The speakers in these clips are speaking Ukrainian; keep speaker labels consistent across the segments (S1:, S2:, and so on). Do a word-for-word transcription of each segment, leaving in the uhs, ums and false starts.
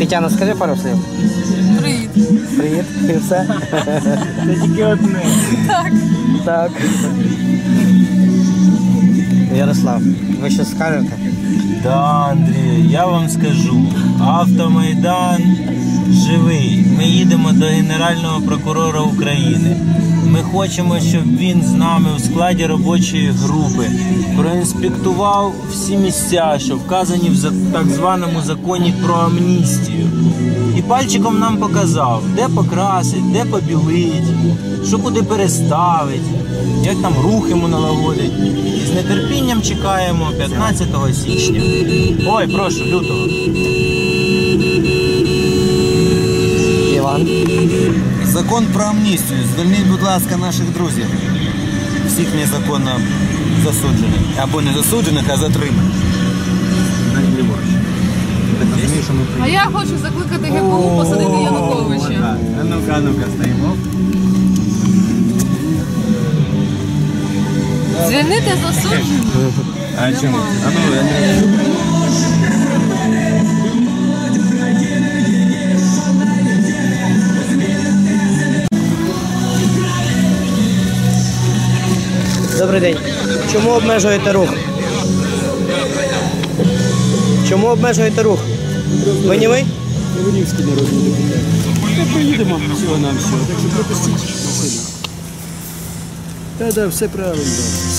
S1: Тетяна, скажи пару слів.
S2: Привіт.
S1: Привіт. І все?
S3: Це тільки одне.
S2: Так.
S1: Так. Ярослав, ви щось скажете?
S3: Да, Андрій, я вам скажу. Автомайдан живий. Ми їдемо до Генерального прокурора України. Ми хочемо, щоб він з нами в складі робочої групи проінспектував всі місця, що вказані в так званому законі про амністію. І пальчиком нам показав, де покрасить, де побілить, що куди переставить, як там рух йому налагодить. І з нетерпінням чекаємо п'ятнадцятого січня. Ой, прошу, лютого.
S1: Іван.
S4: Закон про амністію. Звільніть, будь ласка, наших друзів. Всіх незаконно засуджених. Або не засуджених, а затриманих.
S2: А я хочу закликати ГПУ посадити Януковича.
S4: А ну-ка, а ну-ка, стоїмо.
S2: Звільнити засуджених?
S4: А чому? А ну, я не...
S1: Добрий день. Чому обмежуєте рух? Чому обмежуєте рух? Ви не ви?
S5: Кривонівський народний депутат. Ми поїдемо всього нам всього, так що пропустіть машину. Так, так, все правильно. Все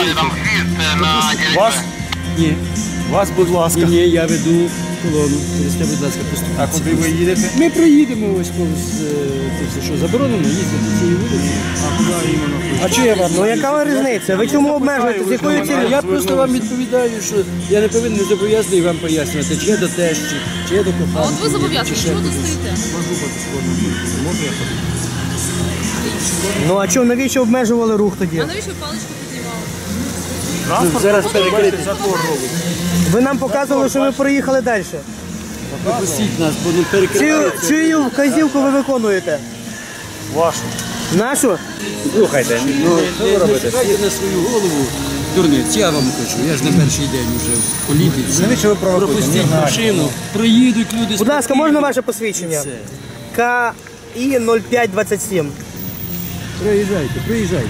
S3: Вас?
S5: Ні.
S3: Вас, будь ласка.
S5: Ні, ні, я веду колону. Через те, будь ласка, поступіть.
S3: А куди ви їдете?
S5: Ми проїдемо ось повз, е, це все, що, заборонено їздити цією вулицею?
S3: А куди іменно?
S5: А чого я вам?
S1: Ну яка ви різниця? Ви чому обмежуєте? З якою цілею?
S5: Я просто вам відповідаю, що я не повинен не зобов'язаний вам пояснювати, чи я до тещі, чи я до
S2: А
S5: коханки.
S2: от ви зобов'язані,
S5: чи ще
S2: чого тут
S5: кудись.
S2: стоїте?
S3: Можу я ходити?
S1: Ну а чому, навіщо обмежували рух тоді?
S2: А навіщо паличку піднімали?
S3: Транспорт
S5: Зараз
S3: перекрити затор робить.
S1: Ви нам показували, що ви проїхали далі.
S5: Пропустіть нас, бо не
S1: Чию,
S5: перекривається.
S1: чию вказівку ви виконуєте?
S3: Вашу.
S1: Нашу?
S5: Слухайте, ну що ви робите? На свою голову дурниць, я вам кажу, я ж не перший день вже в політиці.
S4: Навіщо ви провокуєте?
S5: Пропустіть машину, проїдуть люди.
S1: Будь ласка, можна ваше посвідчення?
S5: Все.
S1: К І нуль п'ять двадцять сім.
S5: Проїжджайте, проїжджайте.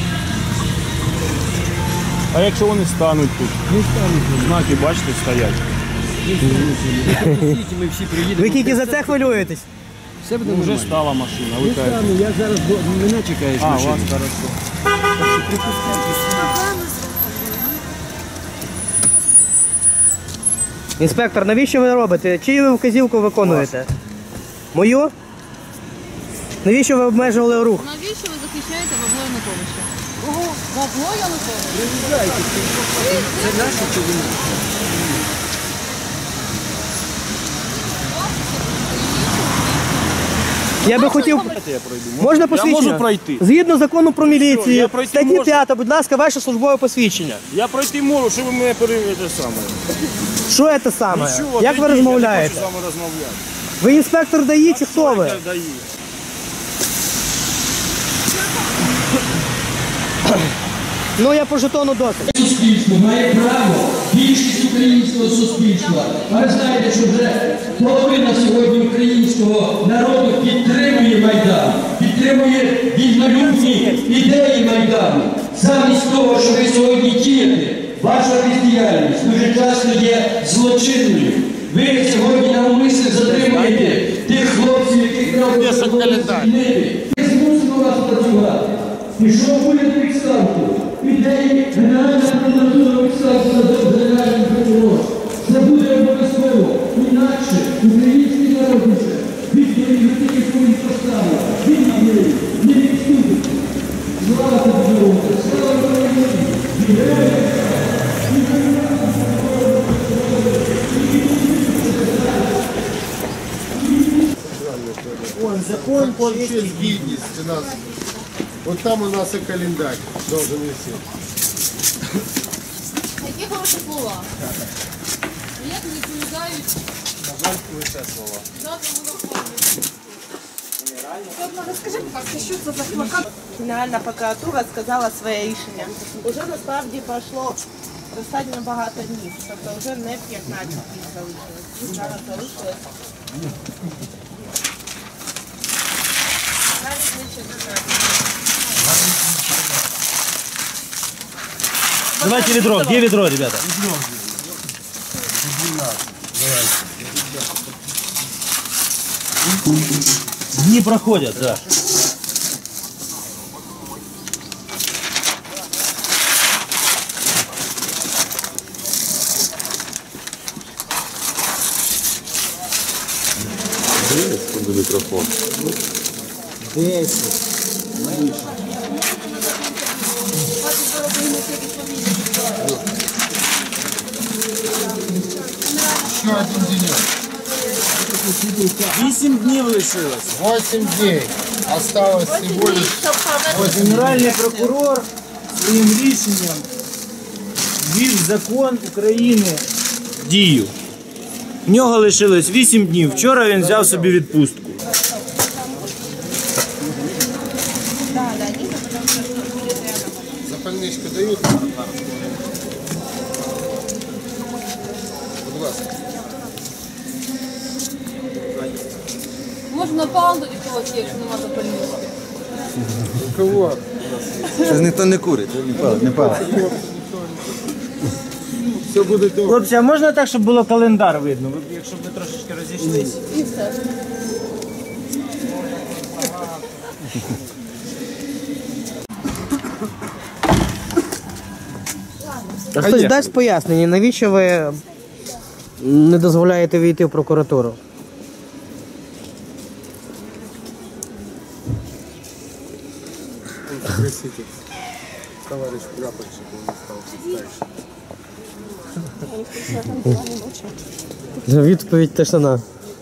S3: А якщо вони стануть тут?
S5: Не стануть.
S3: Знаки, бачите, стоять.
S5: Пропустіть, ми всі приїдемо.
S1: Ви тільки за це хвилюєтесь?
S5: Все буде
S3: Ну, вже
S5: нормально.
S3: стала машина, ви
S5: Не
S3: кажете.
S5: стану, я зараз, бо мене чекаєш
S3: А,
S5: машина.
S3: вас хорошо.
S1: Інспектор, навіщо ви робите? Чию ви вказівку виконуєте? Мою? Навіщо ви обмежували рух?
S2: Навіщо ви захищаєте бабло Януковича? Ого, бабло Януковича?
S5: Це наше чи ви наше?
S1: Я би хотів...
S3: Я пройду.
S1: Можна посвідчення?
S3: Я можу пройти.
S1: Згідно закону про міліцію,
S3: я пройти
S1: статті
S3: можу.
S1: п'ята, будь ласка, ваше службове посвідчення.
S3: Я пройти можу, що ви мене перевірите саме.
S1: Що це саме?
S3: Нічого,
S1: Як ви
S3: прийдіть,
S1: розмовляєте?
S3: Я не хочу з вами розмовляти.
S1: Ви інспектор ДАІ чи хто ви?
S3: Я даю.
S1: Ну я по жетону досить.
S6: Суспільство має право, більшість українського суспільства. А ви знаєте, що вже половина сьогодні українського народу підтримує Майдан, підтримує вільнолюбні ідеї Майдану. Замість того, що ви сьогодні дієте, ваша бездіяльність дуже часто є злочинною. Ви сьогодні навмисно затримуєте тих хлопців, яких треба звільнити. Ми змусимо вас працювати. Пішов уряд відставку. Ідеї Генеральна прокуратура відставку за Генеральним прокурором. Це буде обов'язково. Інакше український народ вже відповідь тільки свої постави. Він відповідь, не відступить. Слава тобі, народу! Слава Україні!
S7: Вон, закон про честь, гідність у нас. Вот там у нас и календарь должен висеть.
S2: Які хороші слова. Як не відповідають?
S4: На жаль, лише слова.
S8: Розкажи, будь ласка, що це за плакат? Генеральна прокуратура сказала своє рішення. Уже насправді пройшло достатньо багато днів, тобто вже не п'ятнадцять днів залишилось. Зараз залишилось
S3: Давайте ведро. Где ведро, ребята? Дни проходят, да.
S7: Микрофон.
S4: десять.
S7: Еще один денек.
S3: Вісім днів лишилось.
S7: Восемь дней. Осталось всего лишь
S3: Генеральний прокурор своїм рішенням ввів закон України в дію. В нього лишилось вісім днів. Вчора він взяв собі відпустку.
S7: запальничку дают. Будь ласка.
S2: Можна на панду когось є, якщо нема запальнички.
S7: У кого?
S4: Щось ніхто не курить, не палить, не палить.
S7: Все буде добре.
S3: Хлопці, а можна так, щоб було календар видно? Ви б, якщо б ми трошечки розійшлись.
S2: І все.
S1: А хтось дасть пояснення, навіщо ви не дозволяєте війти в прокуратуру?
S7: Простите, товарищ прапорщик, он не стал старше.
S1: Відповідь тишина.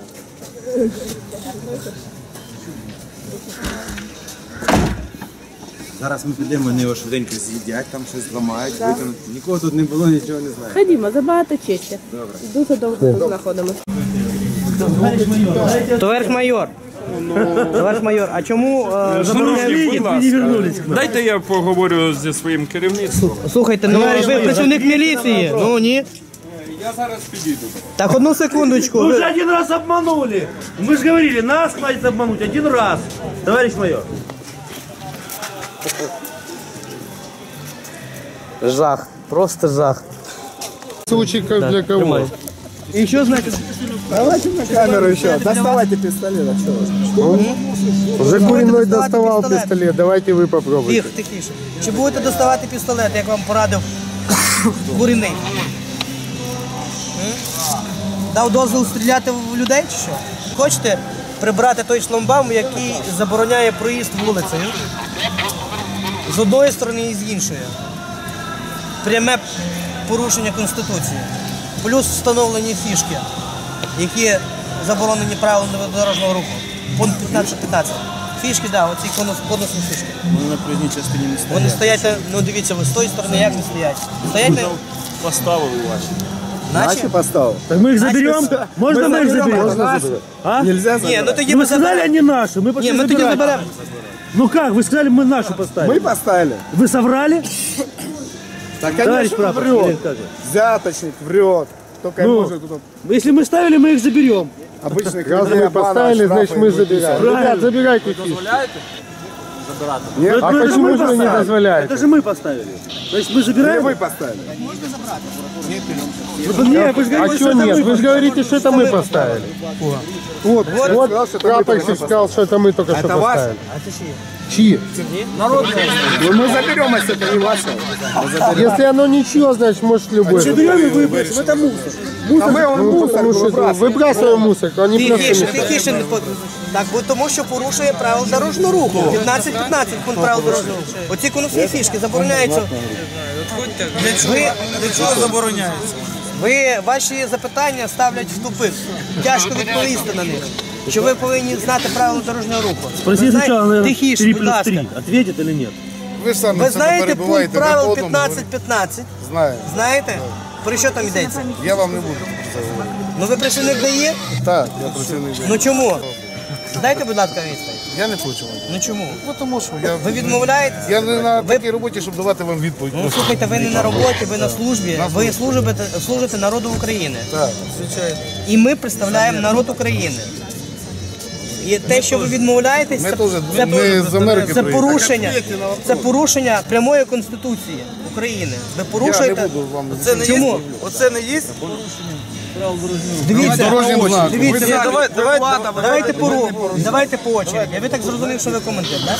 S4: Зараз ми підемо, вони його швиденько з'їдять, там щось зламають, викинуть. Нікого тут не було, нічого не знаю.
S8: Ходімо, забагато честі. Дуже довго тут знаходимося.
S1: Товариш майор. Товариш майор, а чому е, забороняють?
S9: Дайте я поговорю зі своїм керівництвом.
S1: Слухайте, ну ви працівник міліції. Ну ні.
S9: Я зараз підійду.
S1: Так, одну секундочку.
S3: Вы
S1: Ви-
S3: же один раз обманули. Мы же говорили, нас хватит обмануть один раз. Товарищ майор.
S1: Жах, просто жах.
S7: Случай как для кого?
S1: Тримай. І що значить?
S7: Давайте на камеру еще. Доставайте пистолет. Уже Куриной доставал
S1: пистолет.
S7: пистолет. Давайте вы попробуйте.
S1: Тих, тихіше. Чи будете доставати пістолет, як вам порадив Куриний? М? Дав дозвіл стріляти в людей чи що? Хочете прибрати той шламбаум, який забороняє проїзд вулицею? З одної сторони і з іншої. Пряме порушення Конституції. Плюс встановлені фішки, які заборонені правилами дорожнього руху. Пункт п'ятнадцять п'ятнадцять. Фішки, так, да, оці конус- конусні фішки.
S3: Вони на проїзній частині не стоять.
S1: Вони стоять, на- ну дивіться, ви з тої сторони як не стоять? Стоять на...
S3: Поставили ваші.
S1: Наче?
S7: поставил.
S3: Так мы их заберем? Можно мы их заберем? А?
S7: Нельзя
S1: Ні, ну тоді
S3: Ну,
S1: ми
S3: вы сказали,
S1: заберемо.
S3: они наши, мы пошли
S1: Ні, ми тоді
S3: забирать.
S1: заберемо.
S3: Ну как, вы сказали, мы нашу поставили.
S7: поставили.
S3: Вы соврали?
S7: Так,
S3: Товарищ прапор,
S7: врет.
S3: как же?
S7: Взяточник врет. Только
S3: Ну.
S7: может тут
S3: Если мы ставили, мы их заберем.
S7: обычных Раз мы поставили, значит мы забираем.
S3: Ребят,
S7: забирайте фишки. Нет,
S3: Это-
S7: а
S3: это
S7: почему
S3: мы
S7: же вы не
S3: поставили.
S7: дозволяете?
S3: Это же мы поставили. Значит, мы забираем?
S7: Вы поставили.
S3: Ну, не, вы же
S7: А
S3: говорите,
S7: что
S3: это
S7: нет?
S3: мы
S7: Вы же говорите, что это мы поставили. Вот, вот, прапорщик сказал, что это мы только что поставили. Чьи? Ну, мы заберем, если это не ваше. Если оно ничего, значит, может любой.
S3: Заберем и выбросим, это мусор.
S7: А мы он мусор выбрасываем мусорку, они просто
S1: Тихіше,
S7: не ставят.
S1: тихіше. не под- Так, бо тому що порушує правила дорожнього руху. п'ятнадцять п'ятнадцять пункт правил дорожнього руху. Оці конусні фішки забороняються. Ви для чого забороняються? Ви ваші запитання ставлять в тупик. Тяжко відповісти на них. Що ви повинні знати правила дорожнього руху.
S3: Спроси
S1: Ви знаєте-
S3: сначала, наверное,
S1: тихіше,
S3: три
S1: будь
S3: плюс
S1: ласка.
S3: три. Ответит или нет?
S7: Ви ж самі
S1: Ви
S7: це
S1: знаєте пункт
S7: перебуваєте
S1: правил
S7: на одному
S1: п'ятнадцять п'ятнадцять?
S7: Знаю.
S1: Знаєте? Про що там йдеться?
S7: Я вам не буду про це говорити.
S1: Ну ви працівник дає?
S7: Так, я працівник.
S1: Ну чому? Дайте, будь ласка, відповідь.
S7: Я не хочу вам.
S1: Ну чому?
S7: Ну тому що я,
S1: Ви відмовляєтесь?
S7: я не на такій роботі, щоб давати вам відповідь.
S1: Ну, слухайте, ви не на роботі, ви на службі, ви служите, служите народу України.
S7: Так, звичайно.
S1: І ми представляємо народ України. І те, що ви відмовляєтесь,
S7: Ми
S1: це,
S7: теж
S1: це,
S7: не з Америки
S1: це
S7: приїхали.
S1: порушення, це порушення прямої Конституції України. Ви
S7: Я не
S1: порушуєте.
S7: буду вам...
S1: Чому?
S4: Оце не є?
S1: Дивіться,
S7: Дорожнім знаком.
S1: дивіться,
S7: Ви-
S1: давай, давай, давайте по давайте по очереді. Ви так зрозумів, що ви коментар, так?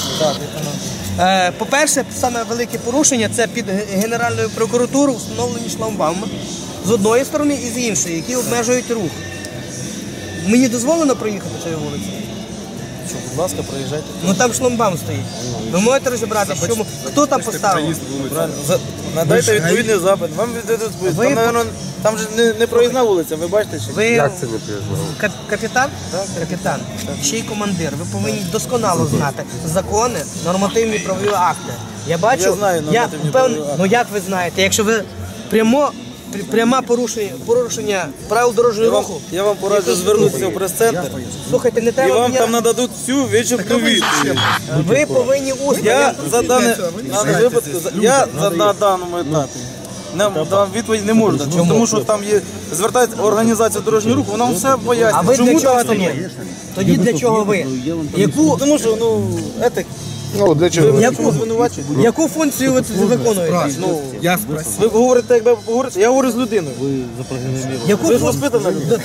S1: Е, По-перше, саме велике порушення це під Генеральною прокуратурою встановлені шлагбауми з одної сторони і з іншої, які обмежують рух. Мені дозволено проїхати цією вулицею?
S4: Що, будь ласка, проїжджайте.
S1: Ну там шлагбаум стоїть. Ви можете розібрати, чому, хто там поставив?
S4: Надайте відповідний запит. Вам віддадуть відповідь.
S1: Ви-
S4: Там, наверно, там же не, не проїзна вулиця, ви бачите? Чи?
S1: Ви
S7: Як це не приїжджав?
S1: кап- капітан? Капітан. Ще й командир. Ви повинні досконало знати закони, нормативні правові акти. Я бачу,
S4: Я знаю нормативні правові акти.
S1: Ну як ви знаєте, якщо ви прямо пр- пряме порушення, порушення правил дорожнього
S4: Я вам,
S1: руху,
S4: я вам пораджу звернутися в прес-центр,
S1: слухайте, не
S4: і
S1: треба
S4: вам
S1: мене-
S4: там нададуть всю вичерпну відповідь.
S1: ви повинні усно.
S4: Я за дане на випадку, за- я за на даному етапі не вам відповідь не можу дати, тому що там є звертається організація дорожнього руху, вона вам все
S1: А
S4: пояснює.
S1: ви
S4: Чому
S1: для чого
S4: так
S1: тоді?
S4: встановлено?
S1: Тоді для чого ви? Яку,
S4: Тому що ну етик,
S7: Ну, для чого?
S1: яку,
S4: звинувачують.
S1: яку функцію ви тут виконуєте?
S4: Ну, ви говорите, якби говорите, я говорю з людиною.
S1: Яку
S4: Ви ж
S1: функцію?
S4: розпитана людина.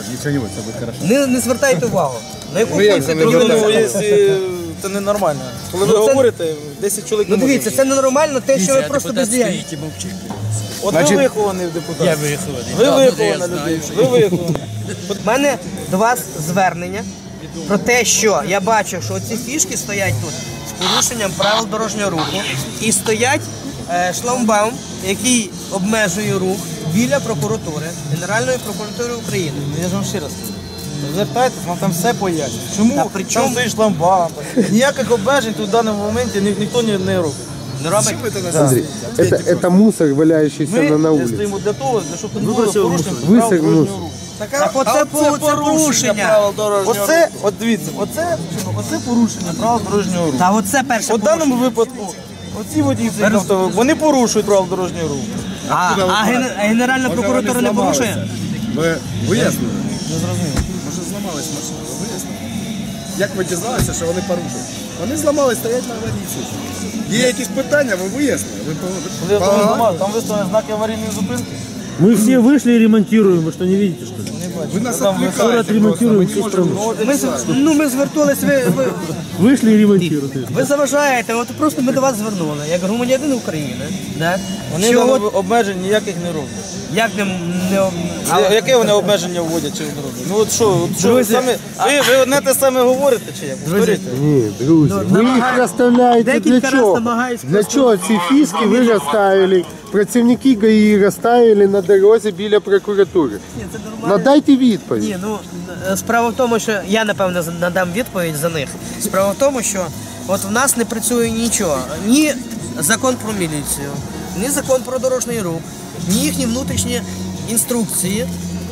S1: Не, не звертайте увагу. На яку
S7: Ну, як
S1: функцію
S7: це не
S1: тоді ви
S7: звертаєте?
S4: Ну,
S1: виконуєте?
S4: якщо це ненормально. Коли ви
S1: Ну, це-
S4: говорите, десять чоловік
S1: Ну
S4: не може.
S1: дивіться, це ненормально, те, що ви просто бездіяльні.
S4: От
S7: Значить-
S4: ви вихований депутат. Я вихований. Ви вихована людина. Ви виховані.
S1: У мене до вас звернення про те, що я бачу, що ці фішки стоять тут з порушенням правил дорожнього руху і стоять е, шлагбаум, який обмежує рух біля прокуратури, Генеральної прокуратури України.
S4: Я ж вам ще раз кажу. Звертайтесь, вам там все пояснять. Чому
S1: Та при чому?
S4: там стоїть шламбам? Ніяких обмежень тут в даному моменті ні, ніхто не, не робить.
S1: Не робить?
S7: Андрей, это, это мусор, валяющийся
S4: Ми
S7: на, на улице.
S4: стоїмо для того, для щоб не було порушень
S7: Висер
S4: правил дорожнього
S7: мусор.
S4: руху.
S1: Так оце, по- це порушення.
S4: Оце, от дивіться, оце, оце порушення правил дорожнього руху.
S1: Та оце перше
S4: У даному випадку, оці водії цих автомобілів, вони порушують правила дорожнього руху.
S1: А, а Ген- а Генеральна прокуратура не порушує?
S10: Ви вияснили? Не зрозуміло. Може зламалась машина, ви вияснили? Як ви дізналися, що вони порушили? Вони зламались, стоять на аварійці. Є якісь питання, ви вияснили? Ви по-
S4: Коли
S10: по-
S4: автомобіль зламали, там виставлені знаки аварійної зупинки.
S5: Мы все вышли и ремонтируем, вы что, не видите, что ли?
S10: Ви нас
S4: Там
S10: відвлекаєте
S5: Скоро
S10: просто,
S5: отремонтируем
S10: ми
S5: всю
S10: не можемо.
S5: страну.
S1: Ми, з- ну, ми звертались, ви, ви,
S5: Вышли и ремонтируем.
S1: ви заважаєте, от просто ми до вас звернули, як громадянин України. Да?
S4: Вони
S1: Що
S4: там
S1: от,
S4: обмежень ніяких не роблять.
S1: як не, не,
S4: А яке вони обмеження вводять чи вони роблять? Ну от що, от що ви
S1: Друзі,
S4: самі, ви, ви одне те саме говорите чи як? Повторюйте.
S7: Ні, друзі, ви їх розставляєте для
S1: декілька раз
S7: чого?
S1: намагаюсь
S7: Для чого ці фіски ви розставили? Працівники ГАІ розставили на дорозі біля прокуратури.
S1: Ні, це нормально.
S7: Надайте відповідь.
S1: Ні, ну е, справа в тому, що я напевно з- надам відповідь за них. Справа в тому, що от в нас не працює нічого. Ні закон про міліцію, ні закон про дорожній рух, ні їхні внутрішні інструкції.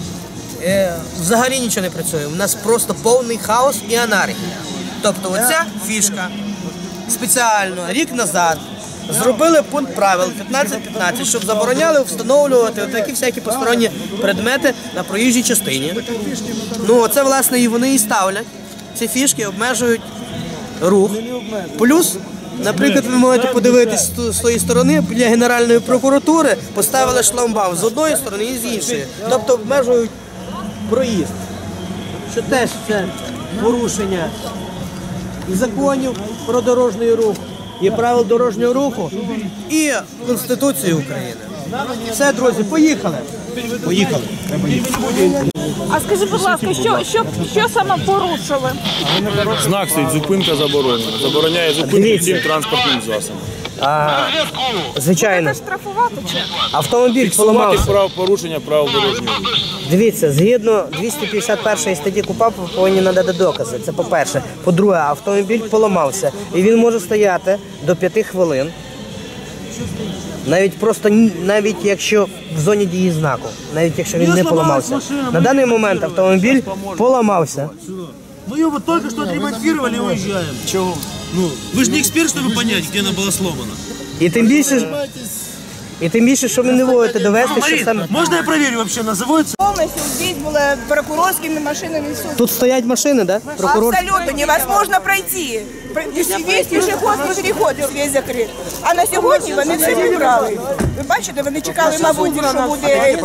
S1: Е, взагалі нічого не працює. У нас просто повний хаос і анархія. Тобто оця фішка спеціально рік назад зробили пункт правил п'ятнадцять п'ятнадцять, щоб забороняли встановлювати такі всякі посторонні предмети на проїжджій частині. Ну, це, власне, і вони і ставлять. Ці фішки обмежують рух. Плюс, наприклад, ви можете подивитись з ту- з тої сторони, біля Генеральної прокуратури поставили шлагбаум з одної сторони і з іншої. Тобто обмежують проїзд. Що теж це порушення і законів про дорожній рух, і правил дорожнього руху, і Конституції України. Все, друзі, поїхали. Поїхали.
S11: А скажи, будь ласка, що, що, що саме порушили?
S9: Знак стоїть, зупинка заборонена. Забороняє зупинку
S1: Дивіться.
S9: всім транспортним засобам.
S1: А, звичайно,
S11: Це штрафувати чи?
S1: автомобіль
S9: Фіксувати
S1: поламався.
S9: прав порушення правил дорожнього руху.
S1: Дивіться, згідно двісті п'ятдесят першої статті КУПАП ви повинні надати докази. Це по-перше. По-друге, автомобіль поламався. І він може стояти до п'яти хвилин. Навіть просто ні- навіть якщо в зоні дії знаку, навіть якщо він не поламався. На даний момент автомобіль поламався.
S12: Мы ее вот только что отремонтировали и уезжаем. Чего? Ну, вы же не эксперт, чтобы понять, где она была сломана.
S1: І тим більше, і тим більше, що ви не можете довести, що саме...
S12: Можно я проверю вообще, называется?
S8: Полностью здесь было прокурорскими машинами все.
S1: Тут стоять машини, да? Прокурор...
S8: Абсолютно невозможно пройти. Весь пішохідний переход весь закрит. А на сьогодні вони все прибрали. Ви бачите, вони чекали, мабуть, що буде...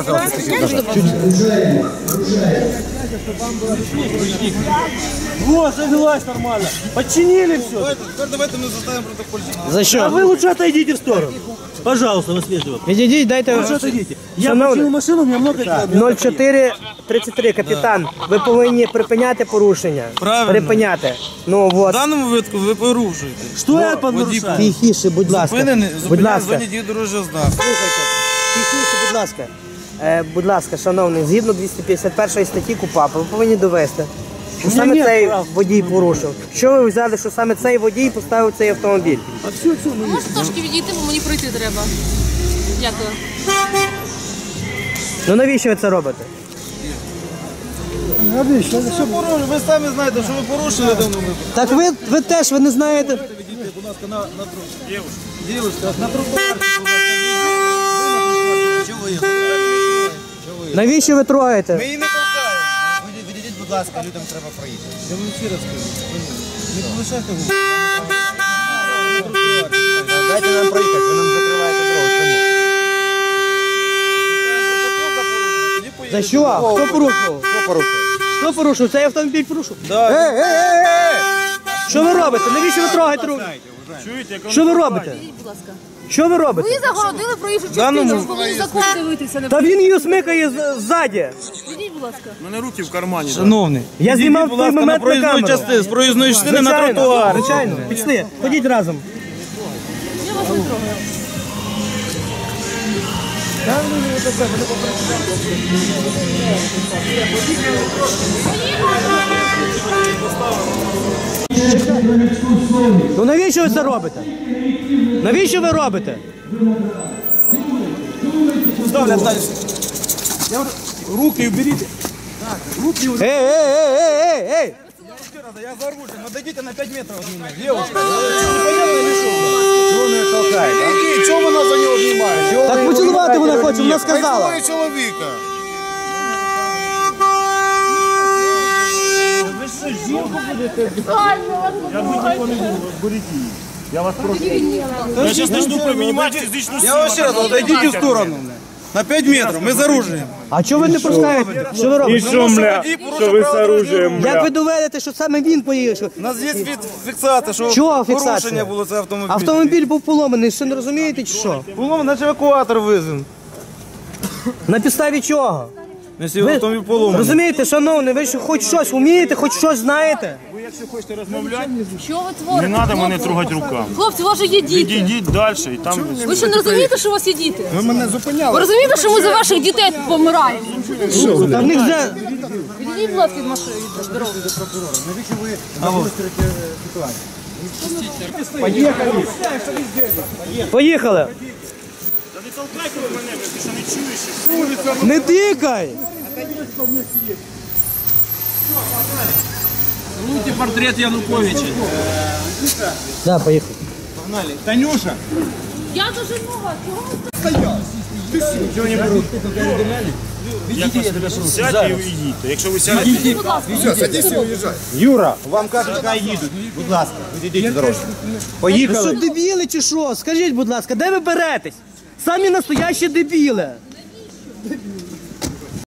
S12: Вот, завелась нормально. Подчинили все.
S10: Теперь давайте мы заставим протокольчик.
S1: За що?
S12: А вы лучше отойдите в сторону. Пожалуйста, наследство.
S1: Відійдіть, дайте...
S12: Лучше отойдите. Я
S1: Шановний,
S12: починил машину, у меня много дел.
S1: нуль чотири тридцять три, капітан, ви повинні припиняти порушення.
S3: Правильно.
S1: Припиняти. Ну,
S3: В
S1: от.
S3: даному випадку ви порушуєте.
S12: Что я поднарушаю?
S1: Тихіше, будь ласка.
S3: Зупинений,
S1: Будь
S3: зупиняє в
S1: ласка.
S3: зоні дії дорожнього знаку.
S1: Слухайте, тихіше, будь ласка. Е, будь ласка, шановний, згідно двісті п'ятдесят першої статті КУпАП, ви повинні довести, що саме
S12: ні
S1: цей
S12: прав.
S1: водій порушив. Що ви взяли, що саме цей водій поставив цей автомобіль?
S2: Можете трошки відійти, бо мені пройти треба. Дякую.
S1: Ну навіщо ви це робите?
S3: Ви самі знаєте, що ви порушили давно випадку.
S1: Так ви, ви теж, ви не знаєте.
S10: Відійдіть, будь ласка, на, на тротуар. Дівчинка, на тротуар. Чого ви їх?
S1: Навіщо ви трогаєте?
S3: Ми її не толкаємо.
S10: Відійдіть, будь ласка, людям треба проїхати.
S3: Я вам ще раз кажу. Не полишайте губу.
S4: Дайте нам проїхати, ви нам закриваєте дорогу.
S1: За що? Хто порушив?
S4: Хто порушив?
S1: Хто порушив? Цей автомобіль порушив?
S4: Ей, ей, ей, ей!
S1: Що ви робите? Навіщо ви трогаєте руки? Що ви робите?
S2: Будь ласка.
S1: Що ви робите?
S2: Ви загородили проїжджу частину, ви повинні закон дивитися. Не
S1: Та він її смикає з- ззаді.
S2: Відійдіть, будь ласка.
S9: У мене руки в кармані.
S3: Шановний,
S1: Я знімав
S3: будь
S1: той
S3: ласка, на
S1: момент на
S3: проїзної
S1: камеру.
S3: частини, з проїзної частини на
S1: Звичайно,
S3: тротуар.
S1: Звичайно, пішли, ходіть разом.
S2: Я вас не трогаю.
S1: Ну навіщо ви це робите? Навіщо ви робите?
S10: Руки уберите.
S1: Ей, ей, ей, ей, ей, ей!
S10: Я за оружием. Отойдите на пять метров от меня. Девушка.
S4: Чого не толкаєте?
S10: Ні, чого вона за нього знімає?
S1: Так поцілувати вона хоче, вона сказала.
S10: Хай цілує чоловіка.
S9: Я зараз почну примінювати фізичну силу.
S10: Я вам ще раз, отойдите в сторону. На пять метров, мы за оружием.
S1: А чого ви не пускаєте? Що ви робите?
S9: Що, мля, що ви з оружием,
S1: Як
S9: мля?
S1: ви доведете, що саме він поїхав?
S10: У нас є фіксація, що
S1: Чого фіксація?
S10: порушення було це автомобіль.
S1: Автомобіль був поломаний, що не розумієте чи що?
S10: Поломаний, наче евакуатор визван.
S1: На підставі чого?
S10: Якщо
S1: Ви
S10: автомобіль поломаний.
S1: розумієте, шановний, ви що хоч щось вмієте, хоч щось знаєте?
S9: Ви якщо хочете розмовляти,
S2: Що ви творите?
S9: не треба мене
S2: хлопці?
S9: трогати руками.
S2: Хлопці, у вас же є діти.
S9: Відійдіть далі і там...
S2: Ви що не розумієте, що у вас є діти?
S10: Ви мене зупиняли.
S2: Ви розумієте, що ми за ваших дітей помираємо?
S1: Та в них вже...
S2: Відійдіть, будь ласка, від машини, від дороги.
S1: Поїхали.
S9: Та не толкайте ви мене, ти що не чуєш?
S1: Не тикай!
S3: Луйте портрет Януковича.
S1: Да, поїхали.
S3: Погнали. Танюша.
S2: Я дуже много. Чого ви
S9: Сядьте і уйдіть. Якщо ви сядете...
S2: будь ласка?
S10: Все, садись і уїжджай.
S4: Юра, вам кажуть, хай їдуть. Будь ласка, відійдіть дорожку.
S1: Ви
S4: Поїхали.
S1: що, дебіли чи що? Скажіть, будь ласка, де ви беретесь? Самі настоящі дебіли.